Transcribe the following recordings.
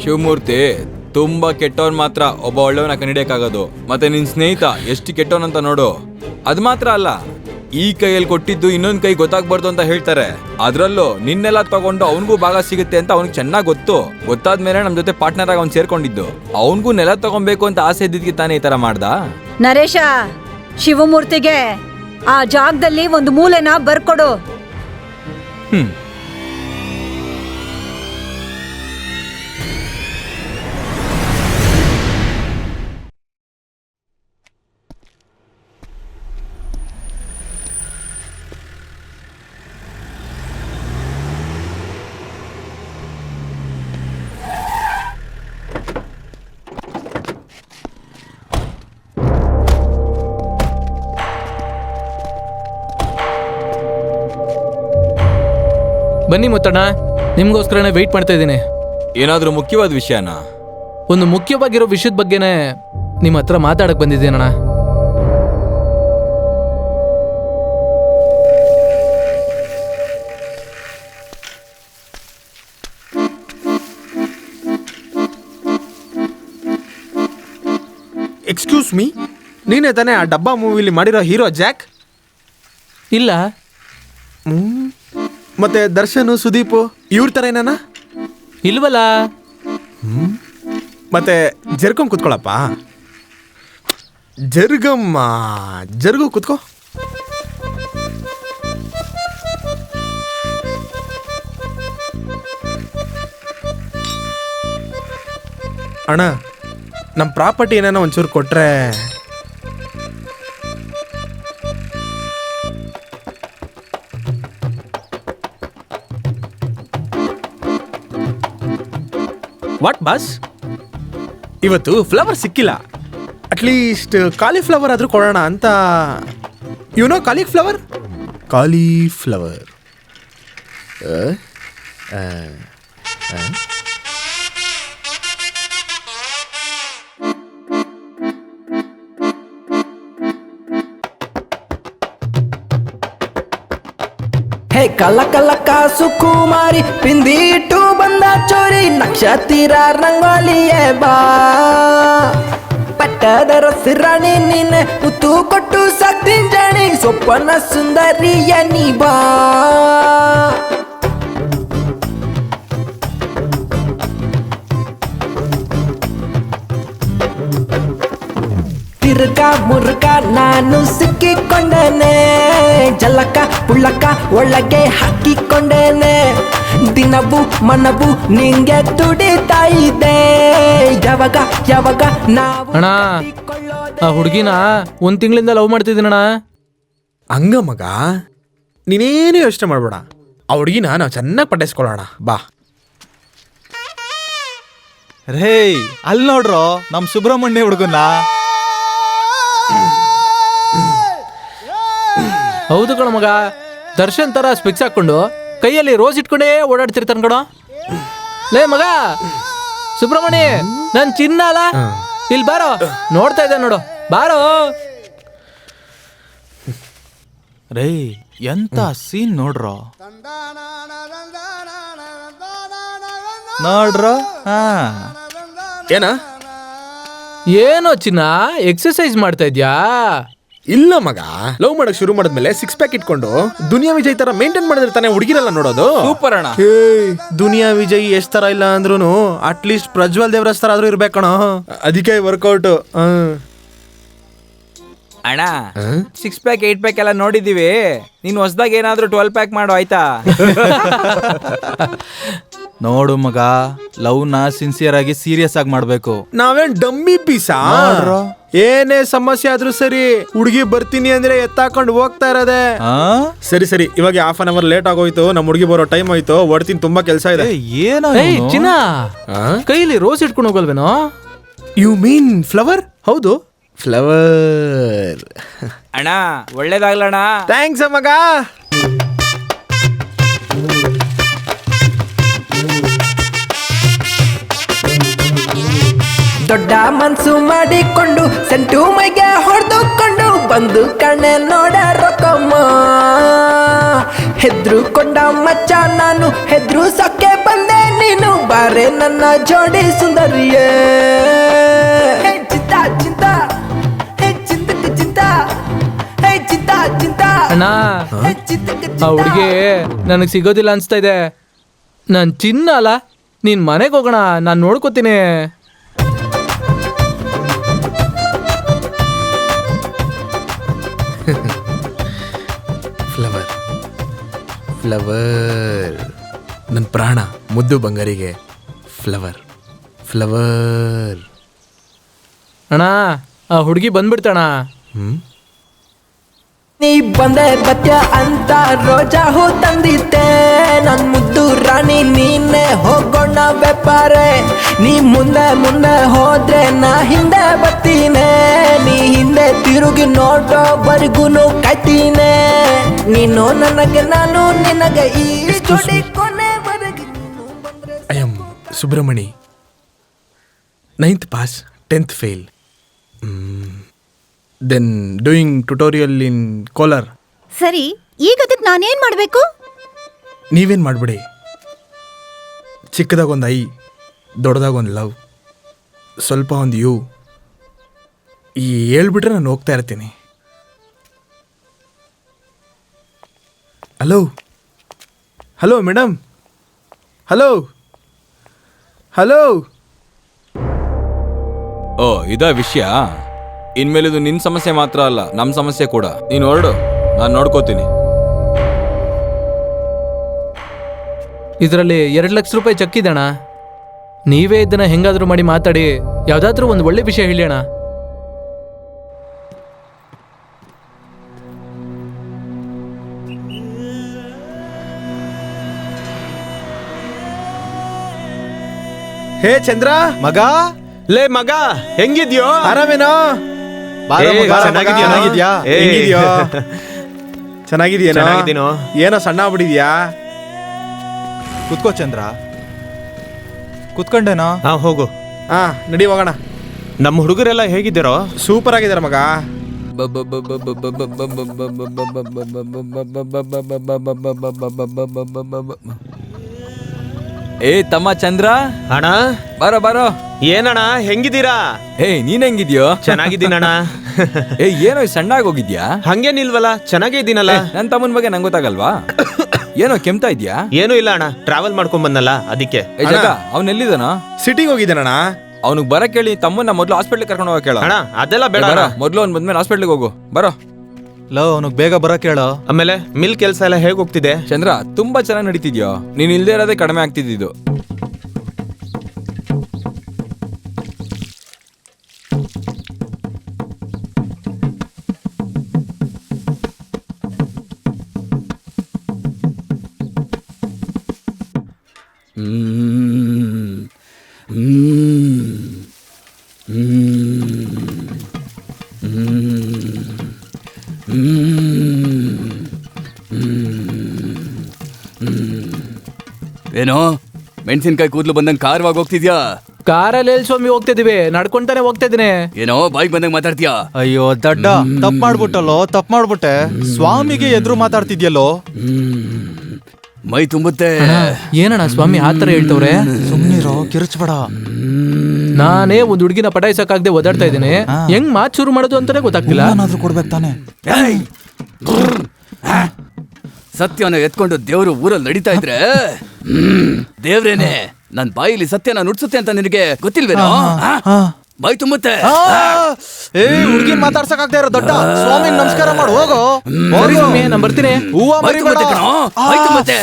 ಶಿವಮೂರ್ತಿ ತುಂಬಾ ಕೆಟ್ಟವನ್ ಮಾತ್ರ ಒಬ್ಬ ಒಳ್ಳೆಯವನ ಕಂಡಿಡಿಯಕ್ಕಾಗೋದು. ಮತ್ತೆ ನಿನ್ ಸ್ನೇಹಿತ ಎಷ್ಟು ಕೆಟ್ಟವನಂತ ನೋಡು. ಅದ್ ಮಾತ್ರ ಅಲ್ಲ, ಈ ಕೈಯಲ್ಲಿ ಕೊಟ್ಟಿದ್ದು ಇನ್ನೊಂದ್ ಕೈ ಗೊತ್ತಾಗ್ಬಾರ್ದು ಅಂತ ಹೇಳ್ತಾರೆ. ಅದ್ರಲ್ಲೂ ನಿನ್ನೆಲ್ಲ ತಗೊಂಡು ಅವನಿಗೂ ಭಾಗ ಸಿಗುತ್ತೆ ಅಂತ ಅವ್ನಿಗೆ ಚೆನ್ನಾಗ್ ಗೊತ್ತು. ಗೊತ್ತಾದ್ಮೇಲೆ ನಮ್ ಜೊತೆ ಪಾರ್ಟ್ನರ್ ಆಗಿ ಅವ್ನು ಸೇರ್ಕೊಂಡಿದ್ದು. ಅವನಿಗೂ ನೆಲ ತಗೊಬೇಕು ಅಂತ ಆಸೆ ಇದ್ದಿದ್ಕೆ ತಾನೇ ಈ ತರ ಮಾಡ್ದ. ನರೇಶ, ಶಿವಮೂರ್ತಿಗೆ ಆ ಜಾಗದಲ್ಲಿ ಒಂದು ಮೂಲೆನ ಬರ್ಕೊಡು. ಬನ್ನಿ ಮುತ್ತಣ್ಣ, ನಿಮ್ಗೋಸ್ಕರನೇ ವೆಯ್ಟ್ ಮಾಡ್ತಾ ಇದ್ದೀನಿ. ಏನಾದ್ರೂ ಮುಖ್ಯವಾದ ವಿಷಯನಾ? ಒಂದು ಮುಖ್ಯವಾಗಿರೋ ವಿಷಯದ ಬಗ್ಗೆನೇ ನಿಮ್ಮ ಹತ್ರ ಮಾತಾಡಕ್ ಬಂದಿದ್ದೀನಣ್ಣ. ಎಕ್ಸ್ಕ್ಯೂಸ್ ಮೀ, ನೀನೇ ತಾನೇ ಆ ಡಬ್ಬಾ ಮೂವಿಲಿ ಮಾಡಿರೋ ಹೀರೋ ಜಾಕ್? ಇಲ್ಲ. ಮತ್ತೆ ದರ್ಶನ್, ಸುದೀಪ್ ಇವ್ರ ತರ ಏನಾನ? ಇಲ್ವಲ್ಲ. ಮತ್ತೆ ಜರ್ಕೊಂಡ್ ಕುತ್ಕೊಳಪ್ಪ. ಜರ್ಗಮ್ಮ, ಜರ್ಗು ಕುತ್ಕೋ. ಅಣ್ಣ, ನಮ್ಮ ಪ್ರಾಪರ್ಟಿ ಏನಾನ ಒಂಚೂರು ಕೊಟ್ರೆ. ವಾಟ್ ಬಾಸ್, ಇವತ್ತು ಫ್ಲವರ್ ಸಿಕ್ಕಿಲ್ಲ. ಅಟ್ಲೀಸ್ಟ್ ಕಾಲಿಫ್ಲವರ್ ಆದ್ರೂ ಕೊಡೋಣ ಅಂತ. YONO cauliflower? ಕಾಲಿಫ್ಲವರ್ ಹೇ ಕಲ್ಲ ಕಲ್ಲ ಕಾಸು ಕುಮಾರಿ, ಪಿಂದಿ ಇಟ್ಟು ಬಂದ ಚೋರಿ, ನಕ್ಷತ್ರ ರಂಗೋಲಿಯೇ ಬಾ, ಪಟ್ಟದರ ಸಿರಾಣಿ ನೀನೆ, ಉತ್ತು ಕೊಟ್ಟು ಸಾಕ್ತೀನಿ ಜಾಣಿ, ಸೊಪ್ಪನ ಸುಂದರಿಯ ನೀ ಬಾ. ತಿರ್ಗ ಮುರ್ಗ ನಾನು ಸಿಕ್ಕಿಕೊಂಡೇನೆ, ಜಲಕ ಪುಳ್ಳಕ ಒಳಗೆ ಹಾಕಿಕೊಂಡೇನೆ, ದಿನವು ಮನವು ನಿಂಗೆ ತುಡಿತಾ ಇದೆ, ಯಾವಾಗ ಯಾವಾಗ ನಾವು ಅಣ್ಣ, ಆ ಹುಡುಗಿನ ಒಂದ್ ತಿಂಗಳಿಂದ ಲವ್ ಮಾಡ್ತಿದ್ದೀನಣ್ಣ. ಹಂಗ ಮಗ, ನೀನೇನು ಯೋಚನೆ ಮಾಡ್ಬೇಡ. ಆ ಹುಡುಗಿನ ನಾವು ಚೆನ್ನಾಗಿ ಪಟಾಯಿಸ್ಕೊಳ್ಳೋಣ ಬಾ. ರೇ, ಅಲ್ಲಿ ನೋಡ್ರೋ ನಮ್ ಸುಬ್ರಹ್ಮಣ್ಯ ಹುಡುಗನ. ಹೌದು ಕಣ ಮಗ, ದರ್ಶನ್ ತರ ಸ್ಪೆಕ್ಸ್ ಹಾಕೊಂಡು ಕೈಯಲ್ಲಿ ರೋಸ್ ಇಟ್ಕೊಂಡೇ ಓಡಾಡ್ತಿರ್ತಾನ ಕಣ. ಲೇ ಮಗ ಸುಬ್ರಹ್ಮಣ್ಯ, ನನ್ ಚಿನ್ನ ಅಲ್ಲ, ಇಲ್ಲಿ ಬಾರೋ, ನೋಡ್ತಾ ಇದ್ದೆ ನೋಡು, ಬಾರೋ. ರೇ, ಎಂತ ಸೀನ್ ನೋಡ್ರೋ, ನೋಡ್ರೋ. ಹಾ, ಏನ? ಏನೋ ಚಿನ್ನ, ಎಕ್ಸರ್ಸೈಸ್ ಮಾಡ್ತಾ ಇದ್ಯಾ? ಇಲ್ಲ ಮಗ, ಲವ್ ಮಾಡಕ್ ಶುರು ಮಾಡಿದ್ಮೇಲೆ 6 ಪ್ಯಾಕ್ ಇಟ್ಕೊಂಡು ದುನಿಯಾ ವಿಜಯ್ ತರ ಮೇಂಟೈನ್ ಮಾಡಿದ್ರೆ ಹುಡುಗಿರಲ್ಲ ನೋಡೋದು. ಸೂಪರ್ ಅಣ್ಣ. ದುನಿಯಾ ವಿಜಯ್ ಎಷ್ಟ್ ತರ ಇಲ್ಲ ಅಂದ್ರೂ ಅಟ್ಲೀಸ್ಟ್ ಪ್ರಜ್ವಲ್ ದೇವರಾಜ್ ತರ ಆದ್ರೂ ಇರ್ಬೇಕಣ. ಅದಕ್ಕೆ ವರ್ಕೌಟ್. ಅಣ್ಣ, 6 ಪ್ಯಾಕ್ 8 ಪ್ಯಾಕ್ ಎಲ್ಲ ನೋಡಿದೀವಿ. ನೀನ್ ಹೊಸದಾಗ ಏನಾದ್ರೂ 12 ಪ್ಯಾಕ್ ಮಾಡು, ಆಯ್ತಾ? ನೋಡು ಮಗ, ಲವ್ ನ ಸಿನ್ಸಿಯರ್ ಆಗಿ ಸೀರಿಯಸ್ ಆಗಿ ಮಾಡ್ಬೇಕು. ನಾವೇನ್ ಡಮ್ಮಿ ಪೀಸಾ? ಏನೇ ಸಮಸ್ಯೆ ಆದ್ರೂ ಸರಿ, ಹುಡುಗಿ ಬರ್ತೀನಿ ಅಂದ್ರೆ ಎತ್ತಾಕೊಂಡು ಹೋಗ್ತಾ ಇರೋದೆ. ಸರಿ ಸರಿ, ಇವಾಗ ಹಾಫ್ ಅನ್ ಅವರ್ ಲೇಟ್ ಆಗೋಯ್ತು, ನಮ್ ಹುಡುಗಿ ಬರೋ ಟೈಮ್ ಆಯ್ತು, ಹೊಡ್ತೀನಿ, ತುಂಬಾ ಕೆಲಸ ಇದೆ. ಏನೋ ಚಿನ್ನ, ಕೈಲಿ ರೋಸ್ ಇಟ್ಕೊಂಡು ಹೋಗಲ್ವೇನೋ? You mean flower? ಹೌದು, ಫ್ಲವರ್. ಅಣ್ಣ, ಒಳ್ಳೇದಾಗ್ಲಣ್ಣ. ಥ್ಯಾಂಕ್ಸ್ ಮಗ. ದೊಡ್ಡ ಮನ್ಸು ಮಾಡಿಕೊಂಡು ಸೆಂಟು ಮೈಗೆ ಹೊಡೆದುಕೊಂಡು ಬಂದು ಕಣ್ಣೆ ನೋಡ ರೊಕ್ಕಮ್ಮ, ಹೆದ್ರು ಕೊಂಡ ಮಚ್ಚ ನಾನು ಹೆದ್ರು ಸಕ್ಕೆ ಬಂದೆ ನೀನು ನೀನು ಬಾರೆ ನನ್ನ ಜೋಡಿ ಸುಂದರಿಯೇ ಹೇ ಚಿಂತಾ ಚಿಂತಾ ಹೇ ಚಿಂತಕ ಚಿಂತಾ ಹೇ ಚಿಂತಾ ಚಿಂತಾ ಅಣ್ಣ ಹೇ ಚಿಂತಕ ಆ ಹುಡುಗಿ ನನಗೆ ಸಿಗೋದಿಲ್ಲ ಅನ್ಸ್ತಾ ಇದೆ. ನಾನು ಚಿನ್ನ ಅಲ್ಲ, ನೀನ್ ಮನೆಗೆ ಹೋಗೋಣ, ನಾನು ನೋಡ್ಕೋತೀನಿ. ಫ್ಲವರ್ ಫ್ಲವರ್ ನನ್ನ ಪ್ರಾಣ ಮುದ್ದು ಬಂಗಾರಿಗೆ ಫ್ಲವರ್ ಫ್ಲವರ್. ಅಣ್ಣ ಆ ಹುಡುಗಿ ಬಂದ್ಬಿಡ್ತಣ. ನೀ ಬಂದೆ ಬತ್ಯ ಅಂತ ರೋಜಾ ಹೂ ತಂದಿದ್ದೆ, ನನ್ ಮುದ್ದು ರಾಣಿ ನೀನೆ ಹೋಗೋಣ ವ್ಯಾಪಾರೆ. ನೀ ಮುಂದೆ ಮುಂದೆ ಹೋದ್ರೆ ನಾ ಹಿಂದೆ ಬರ್ತೀನೆ, ನೀ ಹಿಂದೆ ತಿರುಗಿ ನೋಡೋವರೆಗೂನು ಕಾಯ್ತೀನೆ. ನೀನು ನನಗೆ ನಾನು ನಿನಗೆ ಈ ಜೋಡಿ ಕೊನೆವರೆಗೆ. I am Subramani, 9th pass 10th fail, then doing tutorial in Kolar. ಸರಿ, ಈಗ ಅದಕ್ಕೆ ನಾನೇನ್ ಮಾಡ್ಬೇಕು? ನೀವೇನು ಮಾಡಿಬಿಡಿ, ಚಿಕ್ಕದಾಗ ಒಂದು ಐ, ದೊಡ್ಡದಾಗ ಒಂದು ಲವ್, ಸ್ವಲ್ಪ ಒಂದು ಯು, ಈ ಹೇಳ್ಬಿಟ್ರೆ ನಾನು ಹೋಗ್ತಾ ಇರ್ತೀನಿ. Hello hello madam, hello hello. ಓ ಇದಾ ವಿಷಯ. ಇನ್ಮೇಲಿದು ನಿನ್ ಸಮಸ್ಯೆ ಮಾತ್ರ ಅಲ್ಲ, ನಮ್ ಸಮಸ್ಯೆ ಕೂಡ. ನೀನು ಹೊರಡು, ನಾನು ನೋಡ್ಕೋತೀನಿ. ಇದರಲ್ಲಿ 2 ಲಕ್ಷ ರೂಪಾಯಿ ಚೆಕ್ ಇದೆ ಅಣ್ಣ. ನೀವೇ ಇದನ್ನ ಹೆಂಗಾದ್ರೂ ಮಾಡಿ ಮಾತಾಡಿ ಯಾವ್ದಾದ್ರೂ ಒಂದು ಒಳ್ಳೆ ವಿಷಯ ಹೇಳಿ ಅಣ್ಣ. ಹೇ ಚಂದ್ರ, ಮಗ, ಲೇ ಮಗ, ಹೆಂಗಿದ್ಯೋ? ಆರಾಮೇನೋ? ಬಾರೋ ಮಗ, ಚೆನ್ನಾಗಿದ್ಯಾ? ಹೆಂಗಿದ್ಯೋ? ಚೆನ್ನಾಗಿದ್ಯೇನೋ? ಚೆನ್ನಾಗಿದ್ದೀನೋ? ಏನೋ ಸಣ್ಣ ಆಗ್ಬಿಟ್ಟಿದ್ಯಾ? ಕುತ್ಕೋ ಚಂದ್ರ. ಕುತ್ಕೊಂಡೇನೋ? ಹಾ ಹೋಗು. ಹಾ ನಡಿ ಹೋಗೋಣ. ನಮ್ಮ ಹುಡುಗರೆಲ್ಲ ಹೇಗಿದ್ದೀರೋ? ಸೂಪರ್ ಆಗಿದ್ದಾರೆ ಮಗ. ಏ ತಮ್ಮ ಚಂದ್ರ, ಅಣ್ಣ, ಬಾರೋ ಬಾರೋ. ಏನಣ್ಣ ಹೆಂಗಿದ್ದೀರಾ? ಏ ನೀನ್ ಹೆಂಗಿದ್ಯೋ? ಚೆನ್ನಾಗಿದ್ದೀನಣ್ಣ. ಏ ಏನೋ ಸಣ್ಣಾಗಿ ಹೋಗಿದ್ಯಾ? ಹಂಗೇನಿಲ್ವಲ್ಲ, ಚೆನ್ನಾಗೇ ಇದ್ದೀನಲ್ಲ. ನನ್ ತಮ್ಮನ ಬಗ್ಗೆ ನಂಗೆ ಗೊತ್ತಾಗಲ್ವಾ? ಏನೋ ಕೆಮ್ತಾ ಇದ್ಯಾ? ಏನೂ ಇಲ್ಲ ಅಣ್ಣ, ಟ್ರಾವೆಲ್ ಮಾಡ್ಕೊಂಡ್ ಬಂದಲ್ಲ ಅದಕ್ಕೆ. ಏ ಜಗ, ಅವ್ನ ಎಲ್ಲಿದಾನ? ಸಿಟಿಗೆ ಹೋಗಿದ್ದಾನಣ್ಣ. ಅವ್ನಿಗೆ ಬರಕ್ ಹೇಳಿ, ತಮ್ಮನ್ನ ಮೊದ್ಲು ಹಾಸ್ಪಿಟ್ಲಿಗೆ ಕರ್ಕೊಂಡು ಹೋಗಕ್ ಹೇಳ. ಅಣ್ಣ ಅದೆಲ್ಲ ಬೇಡ ಬರ, ಅಣ್ಣ. ಮೊದ್ಲು ಅವ್ನ್ ಬಂದ್ಮೇಲೆ ಹಾಸ್ಪಿಟ್ಲಿಗೆ ಹೋಗು. ಬರೋ. ಲವ್ ಅವನಿಗೆ ಬೇಗ ಬರಕ್ ಹೇಳೋ. ಆಮೇಲೆ ಮಿಲ್ ಕೆಲಸ ಎಲ್ಲ ಹೇಗ್ ಹೋಗ್ತಿದೆ? ಚಂದ್ರ, ತುಂಬಾ ಚೆನ್ನಾಗಿ ನಡೀತಿದ್ಯೋ. ನೀನ್ ಇಲ್ದೇ ಇರೋದೇ ಕಡಿಮೆ ಆಗ್ತಿದ್ದು. ಏನೋ ಮೆಣಸಿನ್ಕಾಯಿ ಕೂದಲು ಬಂದಂಗೆ ಕಾರವಾಗಿ ಹೋಗ್ತಿದ್ಯಾ? ಕಾರಲ್ಲಿ ಎಲ್ಲಿ ಸ್ವಾಮಿ ಹೋಗ್ತಿದೀವಿ, ನಡ್ಕೊಂತಾನೆ ಹೋಗ್ತಾ ಇದೀನಿ. ಏನೋ ಬಾಯಿಗೆ ಬಂದಂಗೆ ಮಾತಾಡ್ತೀಯಾ? ಅಯ್ಯೋ ದಡ್ಡ, ತಪ್ಪು ಮಾಡ್ಬಿಟ್ಟಲ್ಲೋ, ತಪ್ಪು ಮಾಡ್ಬಿಟ್ಟೆ. ಸ್ವಾಮಿಗೆ ಎದುರು ಮಾತಾಡ್ತಿದ್ಯಲ್ಲೋ. ಮೈ ತುಂಬುತ್ತೆ. ಏನಣ್ಣ ಸ್ವಾಮಿ ಆ ಥರ ಹೇಳ್ತವ್ರೆ? ಸುಮ್ನಿರೋ, ಕಿರ್ಚ್ಬೇಡ. ನಾನೇ ಒಂದು ಹುಡುಗಿನ ಪಟಾಯಿಸಕ್ಕಾಗದೆ ಓದಾಡ್ತಾ ಇದ್ದೀನಿ. ಹೆಂಗ್ ಮಾತು ಶುರು ಮಾಡೋದು ಅಂತಾನೆ ಗೊತ್ತಾಗ್ತಿಲ್ಲ. ಏನಾದ್ರೂ ಕೊಡ್ಬೇಕು ತಾನೆ. ಸತ್ಯನ ಎತ್ಕೊಂಡು ದೇವ್ರು ಊರಲ್ಲಿ ನಡೀತಾ ಇದ್ರೆ ದೇವ್ರೇನೆ ನನ್ ಬಾಯಿಲಿ ಸತ್ಯನ ನುಡ್ಸುತ್ತೆ ಅಂತ ನಿನಗೆ ಗೊತ್ತಿಲ್ವೇನೋ? ಬಾಯಿ ತುಂಬುತ್ತೆ. ಏ ಹುಡುಗಿನ ಮಾತಾಡ್ಸಕ್ ಆಗ್ತಾ ಇರೋ ದೊಡ್ಡ. ಸ್ವಾಮಿ ನಮಸ್ಕಾರ ಮಾಡು, ಹೋಗೋ. ಸರಿ ಸ್ವಾಮಿ, ನಾನು ಬರ್ತೀನಿ. ಹೂವ ಬಾಯಿ ಮರಿಬೇಡ. ತುಂಬುತ್ತೆ ಕಣೋ, ಬಾಯಿ ತುಂಬುತ್ತೆ.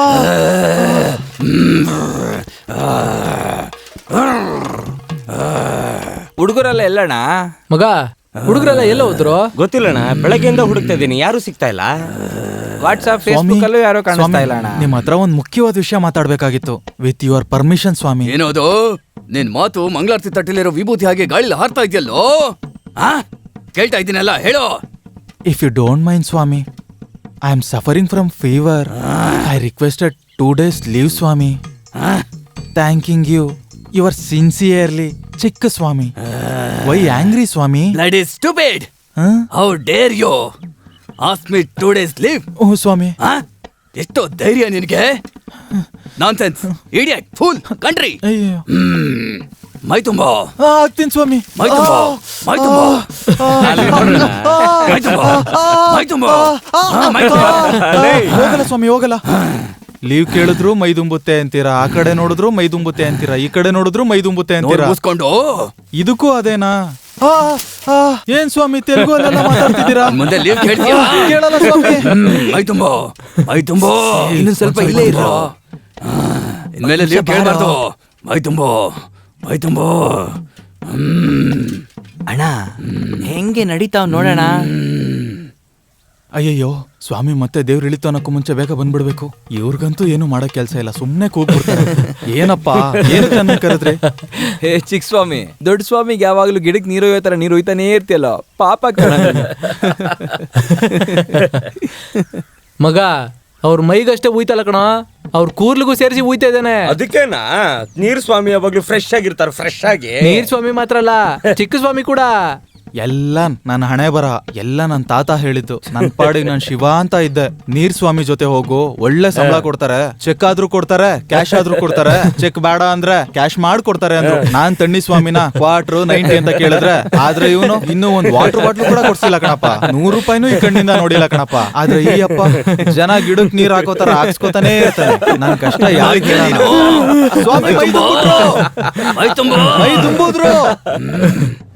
ಹುಡುಗರೆಲ್ಲ ಎಲ್ಲಣ್ಣ? ಮಗ, ಹುಡುಗರೆಲ್ಲ ಎಲ್ಲ ಹೋದ್ರು? ಗೊತ್ತಿಲ್ಲಣ್ಣ, ಬೆಳಗ್ಗೆಯಿಂದ ಹುಡುಕ್ತಾ ಇದ್ದೀನಿ, ಯಾರು ಸಿಗ್ತಾ ಇಲ್ಲ. ವಾಟ್ಸ್ಆಪ್ ಸ್ವಾಮಿ, ಫೇಸ್ಬುಕ್ ಅಲ್ಲೂ ಯಾರೋ ಕಾಣಿಸ್ತಾ ಸ್ವಾಮಿ, ಇಲ್ಲ ಅಣ್ಣ. ನಿಮ್ ಹತ್ರ ಒಂದ್ ಮುಖ್ಯವಾದ ವಿಷಯ ಮಾತಾಡ್ಬೇಕಾಗಿತ್ತು. ವಿತ್ ಯುವರ್ ಪರ್ಮಿಷನ್ ಸ್ವಾಮಿ. ಏನೋದು ನಿನ್ ಮಾತು ಮಂಗಳಾರತಿ ತಟ್ಟಿಲಿರೋ ವಿಭೂತಿ ಹಾಗೆ ಗಾಳಿಲಿ ಹಾರ್ತಾ ಇದೆಯಲ್ಲೋ? ಕೇಳ್ತಾ ಇದ್ದೀನಲ್ಲ, ಹೇಳೋ. ಇಫ್ ಯು ಡೋಂಟ್ ಮೈಂಡ್ ಸ್ವಾಮಿ, I am suffering from fever. I requested 2 days leave ಸ್ವಾಮಿ. Thanking you your sincerely Chikka Swamy. Why angry ಸ್ವಾಮಿ? Bloody stupid! How dare you ask me 2 days leave? ಓ ಸ್ವಾಮಿ. ಎಷ್ಟೋ ಧೈರ್ಯ ನಿನಗೆ? Nonsense, idiot, fool, country. ಅಯ್ಯೋ ಮೈ ತುಂಬಾ, ಆಗ್ತೀನಿ ಸ್ವಾಮಿ. ಮೈ ತುಂಬಾ, ಮೈ ತುಂಬಾ, ಮೈ ತುಂಬಾ, ಮೈ ತುಂಬಾ, ಮೈ ತುಂಬಾ. ಹೋಗಲ್ಲ ಸ್ವಾಮಿ, ಹೋಗಲ್ಲ. ಲೀವ್ ಕೇಳಿದ್ರು ಮೈ ತುಂಬುತ್ತೆ ಅಂತೀರಾ, ಆ ಕಡೆ ನೋಡಿದ್ರು ಮೈ ತುಂಬುತ್ತೆ ಅಂತೀರಾ, ಈ ಕಡೆ ನೋಡಿದ್ರು ಮೈ ತುಂಬುತ್ತೆ ಅಂತೀರಾ. ಮುಗಿಸ್ಕೊಂಡು ಇದಕ್ಕೂ ಅದೇನಾ? ಏನ್ ಸ್ವಾಮಿ ತೆಲುಗು ಅಲ್ಲೆಲ್ಲ ಮಾತಾಡ್ತಿದ್ದೀರಾ? ಮುಂದೆ ಲೀವ್ ಕೇಳ್ತೀಯಾ? ಕೇಳಲ್ಲ ಸ್ವಾಮಿ. ಮೈ ತುಂಬಾ, ಮೈ ತುಂಬಾ. ಇನ್ನು ಸ್ವಲ್ಪ ಇಲ್ಲೇ ಇರೋ. ಇನ್ಮೇಲೆ ಲೀವ್ ಕೇಳಬಾರ್ದು. ಮೈ ತುಂಬಾ, ಮೈ ತುಂಬಾ. ಅಣ್ಣ ಹೆಂಗೆ ನಡೀತಾವ್ ನೋಡೋಣ. ಅಯ್ಯಯ್ಯೋ ಸ್ವಾಮಿ ಮತ್ತೆ ದೇವ್ರು ಇಳಿತು ಅನ್ನೋಕ್ಕೂ ಮುಂಚೆ ಬೇಗ ಬಂದ್ಬಿಡ್ಬೇಕು. ಇವ್ರಿಗಂತೂ ಏನು ಮಾಡೋ ಕೆಲಸ ಇಲ್ಲ, ಸುಮ್ನೆ ಕೂಗ್ಬಿಡ್ತಾರೆ. ಏನಪ್ಪಾ ಏನಕ್ಕೆ ನನ್ನ ಕರೆದ್ರಿ? ಹೇ ಚಿಕ್ಕ ಸ್ವಾಮಿ, ದೊಡ್ಡ ಸ್ವಾಮಿಗೆ ಯಾವಾಗ್ಲೂ ಗಿಡಕ್ಕೆ ನೀರು ಒಯ್ಯೋ ತರ ನೀರು ಒಯ್ತಾನೇ ಇರ್ತಿಯಲ್ಲ, ಪಾಪ ಕಣ. ಮಗ ಅವ್ರ ಮೈಗಷ್ಟೇ ಉಯ್ತಲ್ಲ ಕಣ, ಅವ್ರ ಕೂರ್ಲಿಗೂ ಸೇರಿಸಿ ಉಯ್ತಾ ಇದ್ದಾನೆ. ಅದಕ್ಕೇನಾ ನೀರ್ ಸ್ವಾಮಿ ಯಾವಾಗ್ಲೂ ಫ್ರೆಶ್ ಆಗಿರ್ತಾರ, ಫ್ರೆಶ್ ಆಗಿ. ನೀರ್ ಸ್ವಾಮಿ ಮಾತ್ರ ಅಲ್ಲ, ಚಿಕ್ಕ ಸ್ವಾಮಿ ಕೂಡ. ಎಲ್ಲ ನನ್ನ ಹಣೆ ಬರ, ಎಲ್ಲ ನನ್ನ ತಾತ ಹೇಳಿದ್ದು. ನನ್ ಪಾಡಿಗೆ ನಾನು ಶಿವ ಅಂತ ಇದ್ದೆ. ನೀರ್ ಸ್ವಾಮಿ ಜೊತೆ ಹೋಗು, ಒಳ್ಳೆ ಸಂಬಳ ಕೊಡ್ತಾರೆ, ಚೆಕ್ ಆದ್ರೂ ಕೊಡ್ತಾರೆ, ಕ್ಯಾಶ್ ಆದ್ರೂ ಕೊಡ್ತಾರೆ. ಚೆಕ್ ಬೇಡ ಅಂದ್ರೆ ಕ್ಯಾಶ್ ಮಾಡ್ಕೊಡ್ತಾರೆ ಅಂದ್ರು. ನಾನ್ ತಣ್ಣಿ ಸ್ವಾಮಿನ ಕ್ವಾರ್ಟರ್ 90 ಅಂತ ಕೇಳಿದ್ರೆ, ಆದ್ರೆ ಇವನು ಇನ್ನೂ ಒಂದ್ ವಾಟರ್ ಬಾಟ್ಲು ಕೂಡ ಕೊಡ್ಸಿಲ್ಲ ಕಣಪ್ಪ. 100 ರೂಪಾಯಿನೂ ಈ ಕಣ್ಣಿಂದ ನೋಡಿಲ್ಲ ಕಣಪ್ಪ. ಆದ್ರೆ ಈ ಅಪ್ಪ ಜನ ಗಿಡಕ್ ನೀರ್ ಹಾಕೋತಾರ ಹಾಕ್ಸ್ಕೊತಾನೆ ಇರ್ತಾನೆ. ನನ್ ಕಷ್ಟ ಯಾರಿಗೆ ಸ್ವಾಮಿ ಮೈ ತುಂಬಿದ್ರು. ಮೈ ತುಂಬಾ, ಮೈ ತುಂಬಿದ್ರು.